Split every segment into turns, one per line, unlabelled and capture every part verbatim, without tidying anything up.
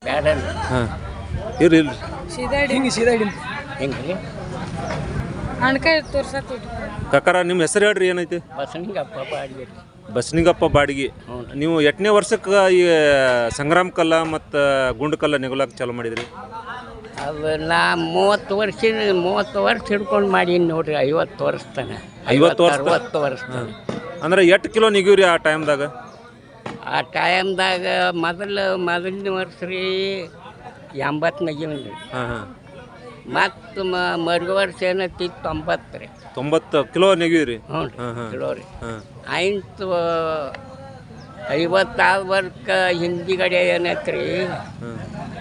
ಬ್ಯಾಡ
ಹಾಂ ಇರ್ರಿ ಇಲ್ರಿ
ಸೀದಾ ಹಿಡಿ
ಹಿಂಗೆ ಸೀದಾ ಹಿಡಿ
ಹೆಂಗ್ರಿ
ಅಣ್ಕಾಯಿ ತೋರ್ಸತ್
ಕಾಕಾರ ನಿಮ್ಮ ಹೆಸರು ಹೇಳ್ರಿ ಏನೈತಿ
ಬಸನಿಗಪ್ಪ ಬಾಡ್ಬೇಕು
ಬಸನಿಗಪ್ಪ ಬಾಡಿಗೆ ನೀವು ಎಷ್ಟನೇ ವರ್ಷಕ್ಕೆ ಈ ಸಂಗ್ರಾಮ ಕಲ್ಲ ಮತ್ತು ಗುಂಡು ಕಲ್ಲ ನೆಗಲಾಕ ಚಾಲು ಮಾಡಿದ್ರಿ
ಅದು ನಾ ಮೂವತ್ತು ವರ್ಷ ಮೂವತ್ತು ವರ್ಷ ಹಿಡ್ಕೊಂಡು ಮಾಡೀನಿ ನೋಡ್ರಿ ಐವತ್ತು ವರ್ಷ ತನ
ಐವತ್ತು ವರ್ಷ
ಅರವತ್ತು ವರ್ಷ ತನ
ಅಂದ್ರೆ ಎಷ್ಟು ಕಿಲೋ ನೆಗಿವ್ರಿ ಆ ಟೈಮ್ದಾಗ
ಆ ಟೈಮ್ದಾಗ ಮೊದಲು ಮೊದಲನೇ ವರ್ಷ ರೀ ಎಂಬತ್ತು ನಗಿವ್ರಿ
ಹಾಂ ಹಾಂ
ಮತ್ತು ಮರು ವರ್ಷ ಏನೈತಿ ತೊಂಬತ್ತು ರೀ
ತೊಂಬತ್ತು ಕಿಲೋ ನೆಗಿವ್ರಿ
ಹ್ಞೂ
ಹಾಂ ಹಾಂ
ಕಿಲೋ ರೀ
ಹಾಂ
ಆಯ್ತು ಐವತ್ತಾರು ವರ್ಷ ಹಿಂದಿಗಡೆ ಏನೈತೆ ರೀ
ಹಾಂ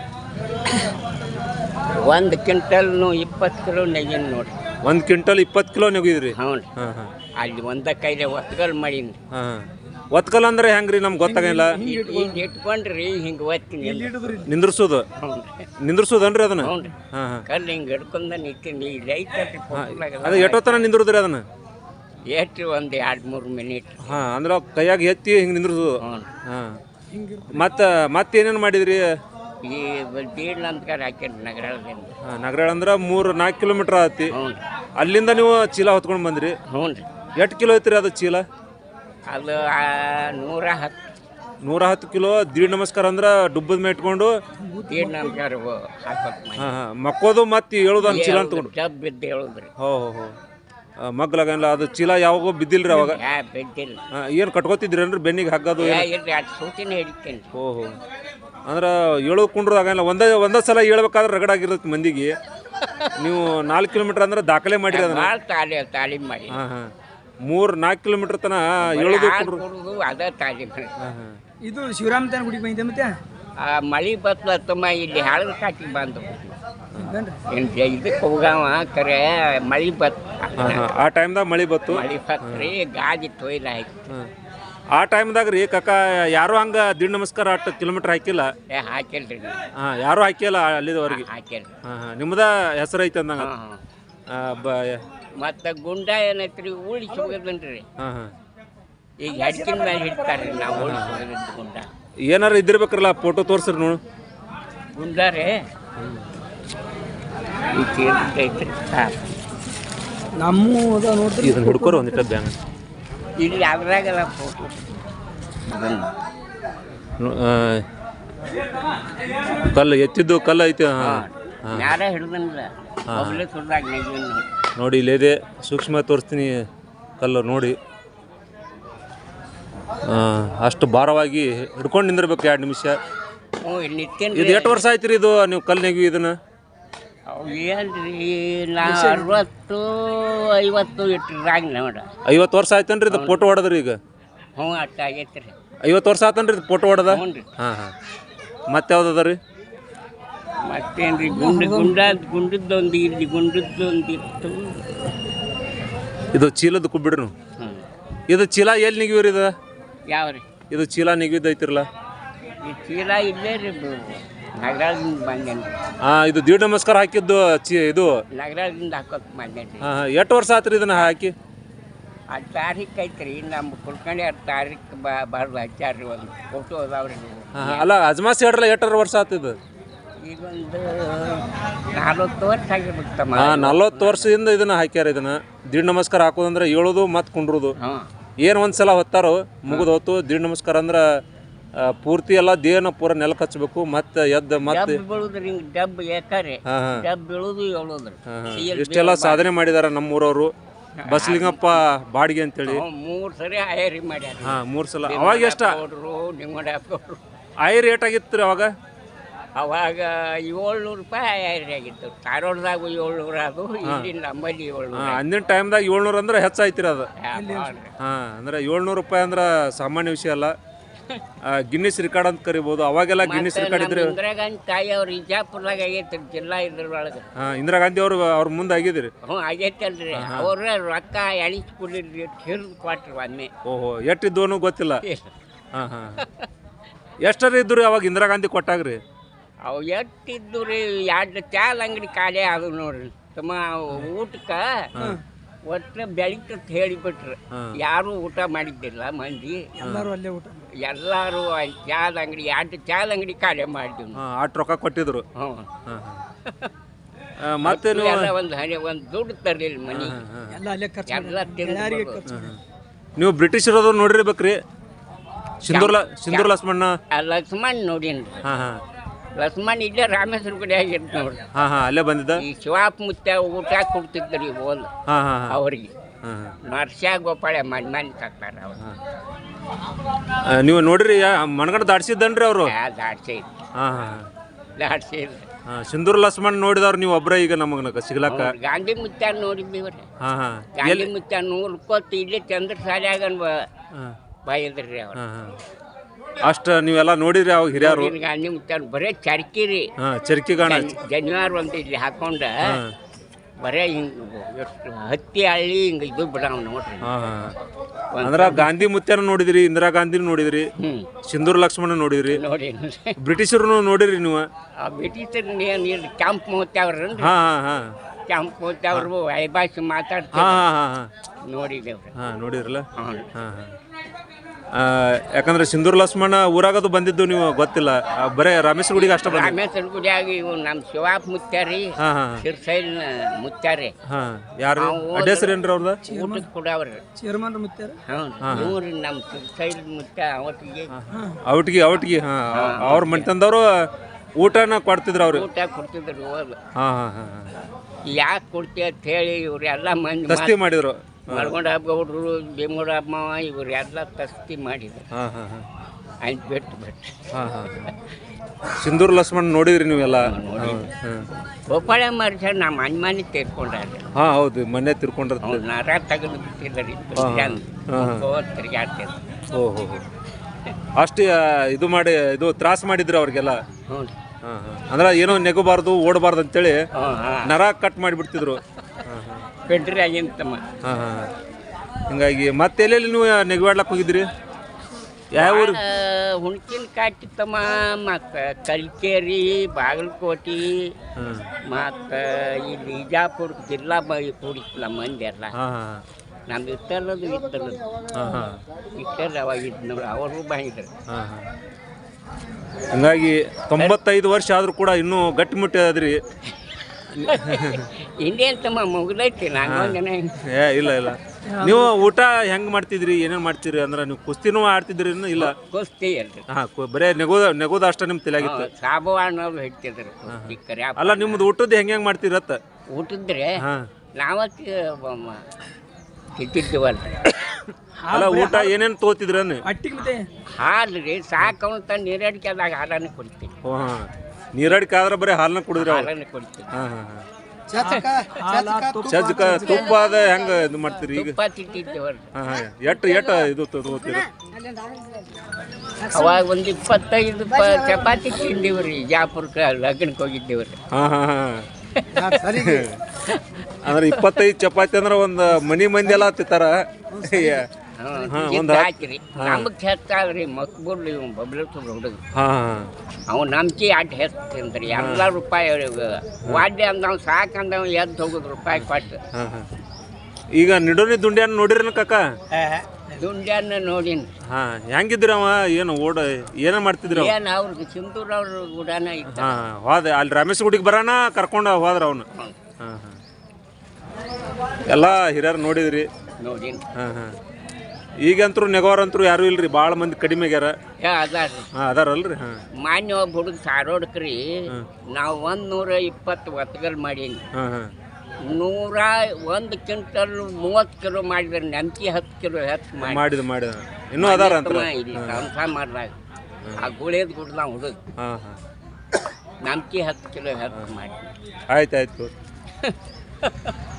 ಒಂದು ಕ್ವಿಂಟಲ್ನು ಇಪ್ಪತ್ತು ಕಿಲೋ ನೆಗಿನ್ ನೋಡ್ರಿ
ಒಂದು ಕ್ವಿಂಟಲ್ ಇಪ್ಪತ್ತು ಕಿಲೋ ನೆಗಿದ್ರಿ
ಹ್ಞೂ ರೀ
ಹಾಂ ಹಾಂ
ಅಲ್ಲಿ ಒಂದ ಕೈಲೆ ಒತ್ಗಲ್ ಮಾಡೀನಿ
ಹಾಂ ಹಾಂ ಒತ್ಕಲ್ ಅಂದ್ರೆ ಹೆಂಗ್ರಿ ನಮ್ಗೆ ಗೊತ್ತಾಗಿಲ್ಲ
ಈಗ ಇಟ್ಕೊಂಡ್ರಿ ಹಿಂಗೆ ಒತ್ತೀನಿ
ನಿಂದ್ರಿಸೋದು
ಹ್ಞೂ ರೀ
ನಿಂದ್ರಿಸೋದನ್ರಿ ಅದನ್ನ
ಹ್ಞೂ ರೀ
ಹಾಂ ಹಾಂ
ಕಲ್ಲು ಹಿಂಗೆ ಹಿಡ್ಕೊಂಡ ನಿಂತೀನಿ ಇಲ್ಲಿ ಐತಲ್ರಿ
ಅದು ಎಷ್ಟೊತ್ತನ ನಿಂದ್ರದ್ರಿ ಅದನ್ನ
ಎಷ್ಟು ಒಂದು ಎರಡು ಮೂರು ಮಿನಿಟ್
ಹಾಂ ಅಂದ್ರೆ ಕೈಯಾಗ ಎತ್ತಿ ಹಿಂಗೆ ನಿಂದ್ರಿಸೋದು
ಹ್ಞೂ
ಹಾಂ ಮತ್ತು ಮತ್ತೇನೇನು ಮಾಡಿದ್ರಿ
ಈ ದೀಡ್ ನಂತರ ಹಾಕ್ಯಾರ ನಗರದಿಂದ
ಹಾಂ ನಗರ ಅಂದ್ರೆ ಮೂರು ನಾಲ್ಕು ಕಿಲೋಮೀಟ್ರ್ ಆತಿ
ಹ್ಞೂ ರೀ
ಅಲ್ಲಿಂದ ನೀವು ಚೀಲ ಹೊತ್ಕೊಂಡು ಬಂದ್ರಿ
ಹ್ಞೂ ರೀ
ಎಷ್ಟು ಕಿಲೋ ಐತ್ರಿ ಅದು ಚೀಲ
ಅದು ಆ ನೂರ ಹತ್ತು
ನೂರ ಹತ್ತು ಕಿಲೋ ದೀಡ್ ನಮಸ್ಕಾರ ಅಂದ್ರೆ ಡುಬ್ಬದ ಮೇಲೆ ಇಟ್ಕೊಂಡು
ದೀಡ್ ನಂತರ ಹಾಕೋದು ಮಾಡಿ
ಹಾಂ ಹಾಂ ಮಕ್ಕೋದು ಮತ್ತೆ ಹೇಳೋದು ಒಂದು ಚೀಲ ಅಂತಕೊಂಡು
ಡಬ್ ಬಿದ್ದು ಹೇಳುದ್ರಿ
ಹೋ ಹೋ ಹೋ ಮಗ್ಲಾಗಲ್ಲ ಅದು ಚೀಲ ಯಾವಾಗೋ ಬಿದ್ದಿಲ್ರಿ ಅವಾಗ
ಯಾ ಬಿದ್ದಿಲ್ಲ
ಏನು ಕಟ್ಕೋತಿದ್ರೇನ್ರಿ ಬೆನ್ನಿಗೆ ಹಾಕೋದು
ಯಾ ಇಲ್ರಿ ಅಷ್ಟು ಸೂಟಿನ ಹಿಡಿತೀನಿ
ಓಹೋ ಅಂದ್ರೆ ಹೇಳೋದು ಕುಂಡ್ರು ಆಗಲ್ಲ ಒಂದೇ ಒಂದೇ ಸಲ ಹೇಳ್ಬೇಕಾದ್ರೆ ರಗಡಾಗಿರುತ್ತೆ ಮಂದಿಗೆ ನೀವು ನಾಲ್ಕು ಕಿಲೋಮೀಟ್ರ್ ಅಂದ್ರೆ ದಾಖಲೆ ಮಾಡಿರಿ ಅದನ್ನ
ಭಾಳ ತಾಲಿ ತಾಲೀಮ್ ಮಾಡಿ
ಹಾಂ ಹಾಂ ಮೂರು ನಾಲ್ಕು ಕಿಲೋಮೀಟ್ರ್ ತನ ಹೇಳೋದು ಕುಂಡ್ರು
ಕೊಡುದು ಅದ ತಾಲೀಮ್ ಮಾಡಿ
ಹಾಂ ಹಾಂ
ಇದು ಶಿವರಾಮ ತಾನ ಗುಡಿಗೆ ಬಂದಿದ್ದೆ ಮತ್ತೆ
ಆ ಮಳೆ ಬತ್ತಲ ತಮ್ಮ ಇಲ್ಲಿ ಹಾಳದ ಕಾಟಿಗೆ ಬಂದು
ಇದೇನ್ರಿ
ಏನು ಇದಕ್ಕೆ ಹೋಗವ ಕರೆ ಮಳೆ ಬತ್
ಹಾಂ ಹಾಂ ಆ ಟೈಮ್ದಾಗ ಮಳೆ ಬತ್ತು
ಮಳೆ ಬತ್ರಿ ಗಾದಿ ತೊಯ್ಲ ಆಯ್ತು
ಹಾಂ ಆ ಟೈಮ್ದಾಗ ರೀ ಕಾಕ ಯಾರು ಹಂಗೆ ದೀಡ್ ನಮಸ್ಕಾರ ಅಷ್ಟು ಕಿಲೋಮೀಟ್ರ್ ಹಾಕಿಲ್ಲ
ಏ ಹಾಕಿಲ್ರಿ
ಹಾಂ ಯಾರೂ ಹಾಕಿಲ್ಲ ಅಲ್ಲಿದವರೆಗೆ
ಹಾಕಿಲ್ರಿ
ಹಾಂ ಹಾಂ ನಿಮ್ದ ಹೆಸರು ಐತೆ ಅಂದಂಗೆ
ಹಾಂ ಹಾಂ
ಬ
ಮತ್ತು ಗುಂಡ ಏನೈತ್ರಿ ಉಳಿಸಿ ಹೋಗೋದನ್ರಿ
ಹಾಂ ಹಾಂ
ಈಗ ಹೆಡ್ಕಿನ ಮೇಲೆ ಹಿಡ್ತಾರೆ ನಾವು ಉಳಿಸಿ ಹೋಗೋದು ಗುಂಡ
ಏನಾರು ಇದ್ದಿರ್ಬೇಕ್ರಲ್ಲ ಫೋಟೋ ತೋರಿಸ್ರಿ ನೋಡು
ಗುಂಡ ರೀ ಈ ಐತ್ರಿ ಹಾಂ
ನಮ್ಮ ಅದ ನೋಡ್ರಿ
ಇದನ್ನ ಹುಡ್ಕೋರು ಒಂದಿಟ್ಟ ಬ್ಯಾಂಗ್
ಇಲ್ಲಿ ಅದ್ರಾಗಲ್ಲ ಫೋಟೋ
ಕಲ್ಲು ಎತ್ತಿದ್ದು ಕಲ್ಲು ಐತೆ ಹಾಂ
ಯಾರ ಹಿಡ್ದನ್ಲ ಮೊದಲೇ ಸುಳ್ದಾಗ ನೆಗಿನ್ ನೋಡಿ
ನೋಡಿ ಇಲ್ಲಿದೆ ಸೂಕ್ಷ್ಮ ತೋರಿಸ್ತೀನಿ ಕಲ್ಲು ನೋಡಿ ಅಷ್ಟು ಭಾರವಾಗಿ ಹಿಡ್ಕೊಂಡು ನಿಂದಿರ್ಬೇಕು ಎರಡು ನಿಮಿಷ
ಹ್ಞೂ ಇಲ್ಲಿ ನಿತ್ಯನ್
ಇದು ಎಷ್ಟು ವರ್ಷ ಆಯ್ತು ರೀ ಇದು ನೀವು ಕಲ್ಲು ನೆಗಿ ಇದನ್ನ
ಅವು ಏನ್ರಿ ನಾ ಅರವತ್ತು ಐವತ್ತು ಇಟ್ಟಿರಾಗ ನೋಡ
ಐವತ್ತು ವರ್ಷ ಆಯ್ತನ್ರಿ ಇದು ಫೋಟೋ ಹೊಡೆದ್ರಿ ಈಗ
ಹ್ಞೂ ಅಟ್ಟ ಆಗೈತೆ ರೀ
ಐವತ್ತು ವರ್ಷ ಆತನ್ರಿ ಇದು ಫೋಟೋ ಹೊಡೆದ
ಹ್ಞೂ ರೀ
ಹಾಂ ಹಾಂ ಮತ್ತೆ ಯಾವ್ದು ರೀ
ಮತ್ತೇನ್ರಿ ಗುಂಡು ಗುಂಡ ಗುಂಡದ್ದೊಂದು ಇಲ್ಲಿ ಗುಂಡದ್ದೊಂದು ಇತ್ತು
ಇದು ಚೀಲದ ಕುಬ್ಬಿಡ್ರಿ ನೀವು
ಹ್ಞೂ
ಇದು ಚೀಲ ಎಲ್ಲಿ ನಿಗಿವ್ರಿ ಇದು
ಯಾವ ರೀ
ಇದು ಚೀಲ ನಿಗಿದ್ದು ಐತಿರಲ್ಲ
ಈ ಚೀಲ ಇಲ್ಲೇ ರೀ ನಗರದಿಂದ ಬಂದೇನು ರೀ
ಹಾಂ ಇದು ದೀಡ್ ನಮಸ್ಕಾರ ಹಾಕಿದ್ದು ಚಿ ಇದು
ನಗರದಿಂದ ಹಾಕೋತ್ ಬಂದೇನು ರೀ
ಹಾಂ ಹಾಂ ಎಷ್ಟು ವರ್ಷ ಆತ್ರಿ ಇದನ್ನ ಹಾಕಿ
ಆ ತಾರೀಖು ಐತ್ರಿ ನಮ್ಮ ಕುಲ್ಕಂಡಿ ಆ ತಾರೀಖು ಬ ಬರ್ದು ಹಚ್ಚಾರ್ರಿ ಒಂದು ಫೋಟೋ ಅದಾವ್ರಿ
ಹಾಂ ಹಾಂ ಅಲ್ಲ ಅಜ್ಮಾಸ್ ಹೇಳ್ರಲ್ಲ ಎಷ್ಟರ ವರ್ಷ ಆತಿದ್ದು
ಈಗೊಂದು ನಲ್ವತ್ತು ವರ್ಷ ಆಗಿರ್ಬೇಕು ತಮ್ಮ
ಹಾಂ ನಲ್ವತ್ತು ವರ್ಷದಿಂದ ಇದನ್ನ ಹಾಕ್ಯಾರ ಇದನ್ನ ದೀಡ್ ನಮಸ್ಕಾರ ಹಾಕೋದಂದ್ರೆ ಹೇಳೋದು ಮತ್ತು ಕುಂಡ್ರೋದು
ಹಾಂ
ಏನು ಒಂದು ಸಲ ಹೊತ್ತಾರೋ ಮುಗಿದು ಹೊತ್ತು ದೀಡ್ ನಮಸ್ಕಾರ ಅಂದ್ರೆ ಪೂರ್ತಿ ಎಲ್ಲ ದೇಹನ ಪೂರ ನೆಲಕ್ಕೆ ಹಚ್ಬೇಕು ಮತ್ತೆ ಎದ್ದು ಮತ್ತೆ
ಡಬ್ ಬೀಳುದ್ರಿ ಹಿಂಗೆ ಡಬ್ ಏಕಾರೆ
ಹಾಂ ಹಾಂ
ಡಬ್ ಬೀಳುದು ಹೇಳೋದ್ರಿ
ಹಾಂ ಹಾಂ ಇಷ್ಟೆಲ್ಲ ಸಾಧನೆ ಮಾಡಿದಾರೆ ನಮ್ಮೂರವರು ಬಸಲಿಂಗಪ್ಪ ಬಾಡಿಗೆ ಅಂತೇಳಿ
ಮೂರು ಸರಿ ಆಯರಿ ಮಾಡ್ಯಾರ
ಹಾಂ ಮೂರು ಸಲ ಅವಾಗ ಎಷ್ಟು
ಪೌಡ್ರು ನಿಮ್ಮಡೆ ಪೌಡ್ರು
ಆಯ್ ರೇಟ್ ಆಗಿತ್ತು ರೀ ಅವಾಗ
ಅವಾಗ ಏಳ್ನೂರು ರೂಪಾಯಿ ಆಯರಿ ಆಗಿತ್ತು ಧಾರವಾಡದಾಗ ಏಳ್ನೂರು ಅದು ಇಲ್ಲಿ ನಮ್ಮಲ್ಲಿ ಏಳ್ನೂರು
ಹಾಂ ಅಂದಿನ ಟೈಮ್ದಾಗ ಏಳ್ನೂರು ಅಂದ್ರೆ ಹೆಚ್ಚಾಯ್ತಿರ ಅದು
ಭಾಳ
ಹಾಂ ಅಂದ್ರೆ ಏಳ್ನೂರು ರೂಪಾಯಿ ಅಂದ್ರೆ ಸಾಮಾನ್ಯ ವಿಷಯ ಅಲ್ಲ ಗಿನ್ನಿಸ್ ರಿಕಾರ್ಡ್ ಅಂತ ಕರಿಬೋದು ಅವಾಗೆಲ್ಲ ಗಿನ್ನಿಸ್ ರಿಕಾರ್ಡ್ ಇದ್ರೆ
ಇಂದಿರಾ ಗಾಂಧಿ ತಾಯಿ ಅವ್ರು ಇಜಾಪುರದಾಗ ಆಗೈತೆ ಜಿಲ್ಲಾ ಇದ್ರೊಳಗೆ
ಹಾಂ ಇಂದಿರಾ ಗಾಂಧಿ ಅವರು ಅವ್ರ ಮುಂದೆ ಆಗಿದ್ರಿ
ಹ್ಞೂ ಆಗೈತಲ್ರಿ ಅವ್ರ ರೊಕ್ಕ ಎಳಿಸಿ ಕೊಡ್ಲಿಲ್ರಿ ಹಿರಿದು ಕೊಟ್ರು ಒಮ್ಮೆ
ಓಹೋ ಎಷ್ಟಿದ್ವನು ಗೊತ್ತಿಲ್ಲ ಹಾಂ ಹಾಂ ಎಷ್ಟರ ಇದ್ರು ಅವಾಗ ಇಂದಿರಾ ಗಾಂಧಿ ಕೊಟ್ಟಾಗ್ರಿ
ಅವು ಎಷ್ಟಿದ್ದು ರೀ ಎರಡು ಚಾಲ್ ಅಂಗಡಿ ಖಾಲಿ ಅದು ನೋಡ್ರಿ ತಮ್ಮ ಊಟಕ್ಕೆ ಒಟ್ಟು ಬೆಳಿಗ್ಗೆ ಹೇಳಿಬಿಟ್ರು ಯಾರು ಊಟ ಮಾಡಿದ್ದಿಲ್ಲ ಮಂದಿ
ಎಲ್ಲರೂ ಅಲ್ಲೇ ಊಟ
ಎಲ್ಲರೂ ಅಲ್ಲಿ ಚಾದ ಅಂಗಡಿ ಎರಡು ಚಾದ ಅಂಗಡಿ ಖಾಲಿ ಮಾಡಿದ್ವಿ
ಹಾಂ ಆಟ್ ರೊಕ್ಕ ಕೊಟ್ಟಿದ್ರು
ಹ್ಞೂ
ಹಾಂ ಹಾಂ ಮತ್ತೆ ನೀವು
ಎಲ್ಲ ಒಂದು ಹಣೆ ಒಂದು ದುಡ್ಡು ತರಲಿಲ್ಲ ಮನೆ
ಎಲ್ಲ ಅಲ್ಲೇ ಖರ್ಚು
ಎಲ್ಲ
ಗೆಳೆಯರಿಗೆ
ತಿಂದು
ಖರ್ಚು
ನೀವು ಬ್ರಿಟಿಷರದು ನೋಡಿರ್ಬೇಕ್ರಿ ಸಿಂಧೂರ್ ಲ ಸಿಂಧೂರ್ ಲಕ್ಷ್ಮಣ್ಣ
ಲಕ್ಷ್ಮಣ್ ನೋಡೀನಿ
ಹಾಂ ಹಾಂ
ಲಕ್ಷ್ಮಣ್ ಇಲ್ಲೇ ರಾಮೇಶ್ವರ ಗುಡಿ ಆಗಿರ್ತ ನೋಡ್ರಿ
ಹಾಂ ಹಾಂ ಅಲ್ಲೇ ಬಂದಿದ್ದ
ಈ ಶಿವಾಪ್ ಮುತ್ತ ಊಟ ಕೊಡ್ತಿದ್ರಿ ಓಲ್
ಹಾಂ ಹಾಂ ಹಾಂ
ಅವ್ರಿಗೆ
ಹಾಂ
ನರ್ಸ್ಯಾ ಗೋಪಾಳೆ ಮನೆ ಮನೆ ತಕ್ತಾರ ಅವ್ರು
ಹಾಂ ನೀವು ನೋಡ್ರಿ ಮನಗಂಡ ದಾಡ್ಸಿದ್ದನ್ರಿ ಅವರು
ದಾಡ್ಸೆ
ಹಾಂ ಹಾಂ
ದಾಡ್ಸೆ ಇಲ್ಲ
ಹಾಂ ಸಿಂಧೂರ್ ಲಕ್ಷ್ಮಣ್ ನೋಡಿದವ್ರು ನೀವು ಒಬ್ಬರೇ ಈಗ ನಮಗೆ ಸಿಗ್ಲಾಕ
ಗಾಂಧಿ ಮುತ್ಯ ನೋಡಿದ್ದೀವ್ರಿ
ಹಾಂ ಹಾಂ
ಗಾಂಧಿ ಮುತ್ಯ ನೂರು ಕೊತ್ತು ಇಲ್ಲೇ ಚಂದ್ರ ಸಾಲಿಯಾಗ
ಹಾಂ
ಬಾಯಿದ್ರಿ ಅವ್ರು
ಹಾಂ ಹಾಂ ಅಷ್ಟು ನೀವೆಲ್ಲ ನೋಡಿದ್ರಿ ಅವಾಗ ಹಿರಿಯರು
ಗಾಂಧಿ ಮುತ್ಯ ಬರೇ ಚರ್ಕಿರಿ
ಹಾಂ ಚರ್ಕಿಗಾಣ
ಜನಿವಾರ ಅಂತ ಇಲ್ಲಿ ಹಾಕೊಂಡ
ಹಾಂ
ಬರೇ ಹಿಂಗೆ ಎಷ್ಟು ಹತ್ತಿ ಹಳ್ಳಿ ಹಿಂಗೆ ಇದು ಬಿಡವ್ ನೋಡ್ರಿ
ಹಾಂ ಹಾಂ ಅಂದ್ರೆ ಗಾಂಧಿ ಮುತ್ಯನ ನೋಡಿದ್ರಿ ಇಂದಿರಾ ಗಾಂಧಿನ ನೋಡಿದ್ರಿ
ಹ್ಞೂ
ಸಿಂಧೂರ್ ಲಕ್ಷ್ಮಣ ನೋಡಿದ್ರಿ
ನೋಡಿ
ಬ್ರಿಟಿಷರ್ನು ನೋಡಿರಿ ನೀವು
ಆ ಬ್ರಿಟಿಷರ್ ನೀರು ಕ್ಯಾಂಪ್ ಮೂವತ್ತವ್ರನ್ರಿ
ಹಾಂ ಹಾಂ ಹಾಂ
ಕ್ಯಾಂಪ್ ಮೂವತ್ತವ್ರು ಐಭಾಷೆ
ಹಾಂ
ಮಾತಾಡ್ತಾರೆ
ಹಾಂ ಹಾಂ ಹಾಂ
ನೋಡಿದ್ದೇವ್ರಿ
ಹಾಂ ನೋಡಿರಲ್ಲ
ಹ್ಞೂ
ಹಾಂ ಹಾಂ ಯಾಕಂದ್ರೆ ಸಿಂಧೂರ್ ಲಕ್ಷ್ಮಣ ಊರಾಗದು ಬಂದಿದ್ದು ನೀವು ಗೊತ್ತಿಲ್ಲ ಆ, ಬರೇ ರಾಮೇಶ್ವರ ಗುಡಿಗೆ ಅಷ್ಟ ಬಂದ
ರಾಮೇಶ್ವರ ಗುಡಿಯಾಗ ಇವು ನಮ್ಮ ಶಿವಾಪ್ ಮುತ್ಯಾರಿ
ಹಾಂ ಹಾಂ
ಸಿರ್ಸೈಲ್ ಮುತ್ಯಾರಿ
ಹಾಂ ಯಾರು
ನಾವು
ಅಡ್ರೆಸ್ ಏನ್ರಿ ಅವ್ರದ್ದು
ಊಟಕ್ಕೆ ಕೊಡವ್ರಿ
ಚೇರ್ಮನ್ ಮುತ್ಯಾರ
ಹ್ಞೂ ಇವ್ರಿ ನಮ್ಮ ಸಿರ್ಸೈಲ್ ಮುತ್ಯ ಅವತ್ತಿಗೆ
ಔಟ್ಗಿ ಔಟ್ಗಿ ಹಾಂ ಅವ್ರ ಮನೆತಂದವರು ಊಟನ ಕೊಡ್ತಿದ್ರು ಅವ್ರು
ಊಟ ಕೊಡ್ತಿದ್ರು ಹೋದ್
ಹಾಂ ಹಾಂ ಹಾಂ ಹಾಂ
ಯಾಕೆ ಕೊಡ್ತೀವಿ ಅಂತ ಹೇಳಿ ಇವ್ರು ಎಲ್ಲ ಮಂದಿ
ತಸ್ತಿ ಮಾಡಿದ್ರು
ಮಲ್ಗೊಂಡ ಹಬ್ಬ ಹುಡುಗರು ಭೀಮೂರ ಹಬ್ಬ ಇವ್ರು ಎಲ್ಲ ತಸ್ತಿ ಮಾಡಿದ್ರು
ಹಾಂ ಹಾಂ ಹಾಂ
ಆಯ್ತು ಬಿಟ್ಟು ಬಿಟ್ಟು
ಹಾಂ ಹಾಂ ಸಿಂಧೂರ್ ಲಕ್ಷ್ಮಣ್ ನೋಡಿದ್ರಿ ನೀವೆಲ್ಲ ಹಾಂ ಹಾಂ
ಗೋಪಾಳ ಮನುಷ್ಯ ನಮ್ಮ ಮನೆ ಮನೆ ತೀರ್ಕೊಂಡ್ರಿ
ಹಾಂ ಹೌದು ಮೊನ್ನೆ ತಿರ್ಕೊಂಡಿರ್ತೀವಿ
ಅವ್ರು ನರ ತೆಗೆದು ಬಿಟ್ಟಿದ್ರಿ ತಿರುಗಾಡ್ತಿದ್ರು
ಓಹೋ ಅಷ್ಟು ಇದು ಮಾಡಿ ಇದು ತ್ರಾಸ ಮಾಡಿದ್ರಿ ಅವ್ರಿಗೆಲ್ಲ
ಹ್ಞೂ
ಹಾಂ ಹಾಂ ಅಂದ್ರೆ ಏನೋ ನೆಗಬಾರ್ದು ಓಡಬಾರ್ದು ಅಂತೇಳಿ
ಹ್ಞೂ ಹಾಂ
ನರ ಕಟ್ ಮಾಡಿಬಿಡ್ತಿದ್ರು ಹಾಂ ಹಾಂ
ಬಿಡ್ರಿ ಆಗಿಂತಮ್ಮ
ಹಾಂ ಹಾಂ ಹಿಂಗಾಗಿ ಮತ್ತೆ ಎಲ್ಲೆಲ್ಲಿ ನೀವು ನೆಗವಾಡ್ಲಕ್ಕೆ ಹೋಗಿದ್ರಿ ಯಾವ ಊರು
ಹುಣ್ಕಿನ ಕಾಟಿತ್ತಮ್ಮ ಮತ್ತು ಕಲ್ಕೇರಿ ಬಾಗಲಕೋಟೆ
ಹಾಂ
ಮತ್ತು ಈ ಬಿಜಾಪುರ ಜಿಲ್ಲಾ ಕೂಡಿತ್ತಲ್ಲ ಮಂದಿ ಎಲ್ಲ
ಹಾಂ ಹಾಂ
ನಮ್ದು ಇಷ್ಟಲ್ಲದು ಇತ್ತಲ್ಲದು
ಹಾಂ ಹಾಂ
ಇಷ್ಟಲ್ಲ ಅವಾಗ ಇದ್ದು ಅವರು ಬಾಯಿದ್ರು
ಹಾಂ ಹಾಂ ಹಂಗಾಗಿ ತೊಂಬತ್ತೈದು ವರ್ಷ ಆದರೂ ಕೂಡ ಇನ್ನೂ ಗಟ್ಟಿಮುಟ್ಟಿ ಅದ್ರಿ
ಇಂಡಿಯನ್ ತಮ್ಮ ಮುಗ್ದೈತಿ ನಾನು ಜನ
ಏ ಇಲ್ಲ ಇಲ್ಲ ನೀವು ಊಟ ಹೆಂಗೆ ಮಾಡ್ತಿದ್ರಿ ಏನೇನು ಮಾಡ್ತೀರಿ ಅಂದ್ರೆ ನೀವು ಕುಸ್ತಿನೂ ಆಡ್ತಿದ್ರಿ ಇಲ್ಲ
ಕುಸ್ತಿ ಅಲ್ರಿ
ಹಾಂ ಬರೇ ನೆಗೋದ ನೆಗೋದ ಅಷ್ಟ ನಿಮ್ಮ ತಲೆಯಾಗಿತ್ತು
ಸಾಬುವಾನವ್ರು ಹಿಡ್ತಿದ್ರು ಕುಸ್ತಿ ಕರೆ
ಅಲ್ಲ ನಿಮ್ದು ಊಟದ್ದು ಹೆಂಗೆ ಹೆಂಗೆ ಮಾಡ್ತೀರತ್ತ
ಊಟದ್ರೆ
ಹಾಂ
ನಾವತ್ತು ತಿಂತಿದ್ದೀವಲ್ರಿ
ಅಲ್ಲ ಊಟ ಏನೇನು ತೋತಿದ್ರನ್ನ
ಅಟ್ಟಿಗೆ ಮತ್ತೆ
ಹಾಲು ರೀ ಸಾಕವಂತ ನೀರಡಿಕೆದಾಗ ಹಾಲನ್ನು ಕೊಡ್ತೀನಿ
ಓ ಹಾಂ ನೀರಡಿಕೆ ಆದ್ರೆ ಬರೀ ಹಾಲನ್ನ ಕುಡಿದ್ರಿ ಅವ್ರು
ಹಾಲನ್ನು ಕೊಡ್ತೀನಿ
ಹಾಂ ಹಾಂ ಹಾಂ ಸಜ್ಜಕ ತುಪ್ಪ ಅದ ಹೆಂಗೆ ಇದು ಮಾಡ್ತೀರಿ ಈಗ
ತುಪ್ಪ ತಿಂತಿದ್ದೇವಲ್ರಿ
ಹಾಂ ಹಾಂ ಎಟ್ಟು ಎಟ್ಟು ಇದು ತಗೋತೀರಿ
ಅವಾಗ ಒಂದು ಇಪ್ಪತ್ತೈದು ಪ ಚಪಾತಿ ತಿಂದೀವ್ರಿ ಜಾಪುರಕ್ಕೆ ಲಗ್ನಕ್ಕೆ ಹೋಗಿದ್ದೇವ್ರಿ
ಹಾಂ ಹಾಂ ಹಾಂ ಅಂದ್ರೆ ಇಪ್ಪತ್ತೈದು ಚಪಾತಿ ಅಂದ್ರೆ ಒಂದು ಮನಿ ಮಂದಿ ಎಲ್ಲ ತಿಂತಾರ ಒಂದು
ಹಾಕಿರಿ ನಮಗೆ ಹೆಚ್ಚಾದ್ರಿ ಮಕ್ಬೂಲ್ ಇವ್ ಬಬ್ಲೇಶ್ವರ ಹುಡುಗ
ಹಾಂ ಹಾಂ
ಅವ್ ನಂಬಿಕೆ ಅಡ್ಡ ಹೆಚ್ಚು ತಿಂದ್ರಿ ಎಲ್ಲ ರೂಪಾಯಿ ವಾದ್ಯ ಅಂದವ್ ಸಾಕು ಅಂದವ್ ಎದ್ದು ಹೋಗುದು ರೂಪಾಯಿ ಕೊಟ್ಟು
ಹಾಂ ಹಾಂ ಈಗ ನಿಡೋನಿ ದುಂಡ್ಯಾನ ನೋಡಿರಿ ಕಾಕ
ದುಂಡ್ಯಾನ ನೋಡಿನಿ
ಹಾಂ ಹೆಂಗಿದ್ರಿ ಅವ ಏನು ಓಡ ಏನ ಮಾಡ್ತಿದ್ರಿ ಅವ
ಏನು ಅವ್ರಿಗೆ ಸಿಂಧೂರ್ ಅವ್ರ ಗುಡಾನ ಇತ್ತು
ಹಾಂ ಹೋದ ಅಲ್ಲಿ ರಮೇಶ್ ಗುಡಿಗೆ ಬರೋಣ ಕರ್ಕೊಂಡು ಹೋದ್ರ ಅವನು ಹಾಂ ಹಾಂ ಎಲ್ಲ ಹಿರಿಯರು ನೋಡಿದ್ರಿ
ನೋಡಿನಿ
ಹಾಂ ಹಾಂ ಈಗಂತರೂ ನೆಗೋರಂತರೂ ಯಾರೂ ಇಲ್ರಿ ಭಾಳ ಮಂದಿ ಕಡಿಮೆ ಆಗ್ಯಾರ
ಏ ಅದಾರ್ರಿ
ಹಾಂ ಅದಾರಲ್ರಿ ಹಾಂ
ಮಾನ್ಯ ಒಬ್ಬ ಹುಡುಗ ಸಾರೋಡ್ಕ್ರಿ ನಾವು ಒಂದು ನೂರ ಇಪ್ಪತ್ತು ಒತ್ತಗಲ್ ಮಾಡೀನಿ
ಹಾಂ ಹಾಂ
ನೂರ ಒಂದು ಕ್ವಿಂಟಲ್ ಮೂವತ್ತು ಕಿಲೋ ಮಾಡಿದ್ರೆ ನಂಬಿಕೆ ಹತ್ತು ಕಿಲೋ ಹೆಚ್ಚು ಮಾಡಿ
ಮಾಡಿದ ಮಾಡಿದ ಇನ್ನೂ ಅದಾರ ಅಂತ
ಇಲ್ಲಿ ಸಂಸಾರ ಮಾಡ್ದಾಗ ಆ ಗುಳೇದ್ ಗುಡ್ದ ಹುಡುಗ
ಹಾಂ ಹಾಂ
ನಂಬಿಕೆ ಹತ್ತು ಕಿಲೋ ಹೆಚ್ಚು ಮಾಡಿ
ಆಯ್ತು ಆಯ್ತು